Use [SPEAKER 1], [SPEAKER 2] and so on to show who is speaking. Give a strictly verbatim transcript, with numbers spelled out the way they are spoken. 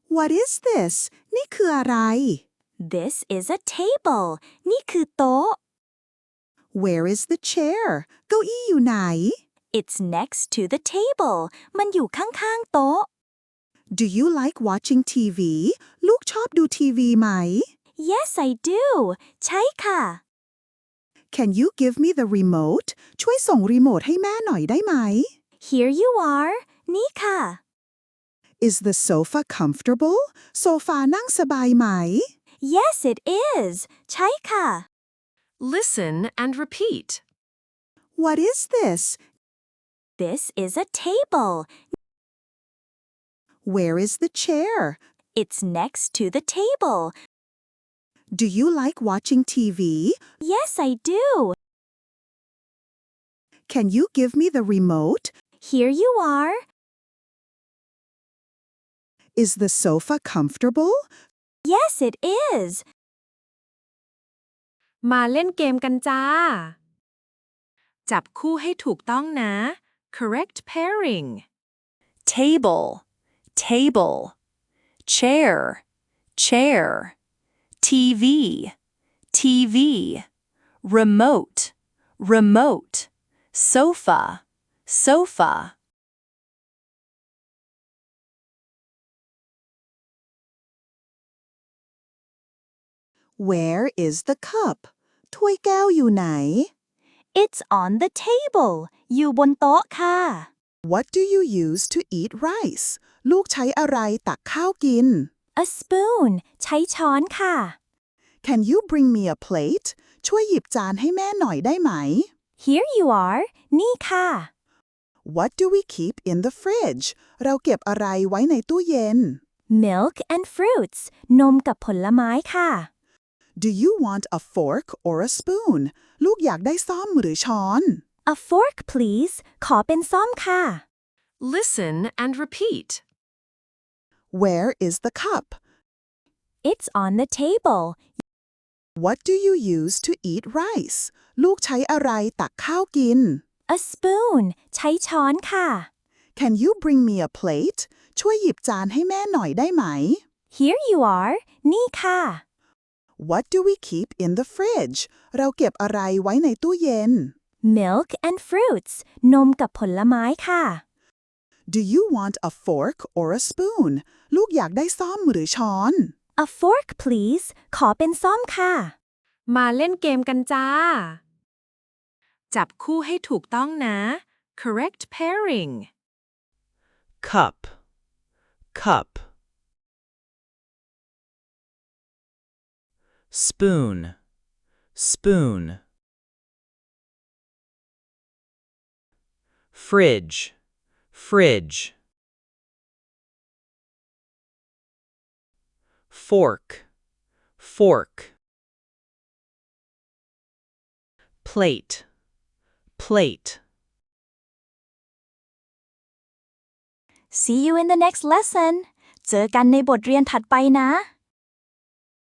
[SPEAKER 1] What is this นี่คืออะไร
[SPEAKER 2] This is a table นี่คือโต๊ะ
[SPEAKER 1] Where is the chair เก้าอี้อยู่ไหน
[SPEAKER 2] It's next to the table มันอยู่ข้างๆโต๊ะ
[SPEAKER 1] Do you like watching ที วี ลูกชอบดูทีวีไหม
[SPEAKER 2] Yes I do ใช่ค่ะ
[SPEAKER 1] Can you give me the remote ช่วยส่งรีโมทให้แม่หน่อยได้ไหม
[SPEAKER 2] Here you are นี่ค่ะ
[SPEAKER 1] Is the sofa comfortable โซฟานั่งสบายไหม
[SPEAKER 2] Yes it is ใช่ค่ะ
[SPEAKER 3] Listen and repeat.
[SPEAKER 1] What is this
[SPEAKER 2] This is a table
[SPEAKER 1] Where is the chair
[SPEAKER 2] It's next to the table
[SPEAKER 1] Do you like watching ที วี
[SPEAKER 2] Yes I do
[SPEAKER 1] Can you give me the remote
[SPEAKER 2] Here you are
[SPEAKER 1] Is the sofa comfortable
[SPEAKER 2] Yes it is
[SPEAKER 3] มาเล่นเกมกันจ้า จับคู่ให้ถูกต้องนะ Correct pairing.
[SPEAKER 4] Table, table. Chair, chair. T V, T V. Remote, remote. Sofa, sofa.
[SPEAKER 1] Where is the cup ถ้วยแก้วอยู่ไหน
[SPEAKER 2] It's on the table อยู่บนโต๊ะค่ะ
[SPEAKER 1] What do you use to eat rice ลูกใช้อะไรตักข้าวกิน
[SPEAKER 2] A spoon ใช้ช้อนค่ะ
[SPEAKER 1] Can you bring me a plate ช่วยหยิบจานให้แม่หน่อยได้ไหม
[SPEAKER 2] Here you are นี่ค่ะ
[SPEAKER 1] What do we keep in the fridge เราเก็บอะไรไว้ในตู้เย็น
[SPEAKER 2] Milk and fruits นมกับผลไม้ค่ะ
[SPEAKER 1] Do you want a fork or a spoon ลูกอยากได้ซ่อมหรือช้อน
[SPEAKER 2] A fork please ขอเป็นซ่อมค่ะ
[SPEAKER 3] Listen and repeat.
[SPEAKER 1] Where is the cup
[SPEAKER 2] It's on the table
[SPEAKER 1] What do you use to eat rice ลูกใช้อะไรตักข้าวกิน
[SPEAKER 2] A spoon ใช้ช้อนค่ะ
[SPEAKER 1] Can you bring me a plate ช่วยหยิบจานให้แม่หน่อยได้ไหม
[SPEAKER 2] Here you are นี่ค่ะ
[SPEAKER 1] What do we keep in the fridge เราเก็บอะไรไว้ในตู้เย็น
[SPEAKER 2] Milk and fruits นมกับผลไม้ค่ะ
[SPEAKER 1] Do you want a fork or a spoon ลูกอยากได้ซ่อมหรือช้อน
[SPEAKER 2] A fork please ขอเป็นซ่อมค่ะ
[SPEAKER 3] มาเล่นเกมกันจ้า จับคู่ให้ถูกต้องนะ Correct pairing.
[SPEAKER 5] Cup, cup. Spoon, spoon. Fridge, fridge. Fork, fork. Plate, plate.
[SPEAKER 2] See you in the next lesson เจอกันในบทเรียนถัดไปนะ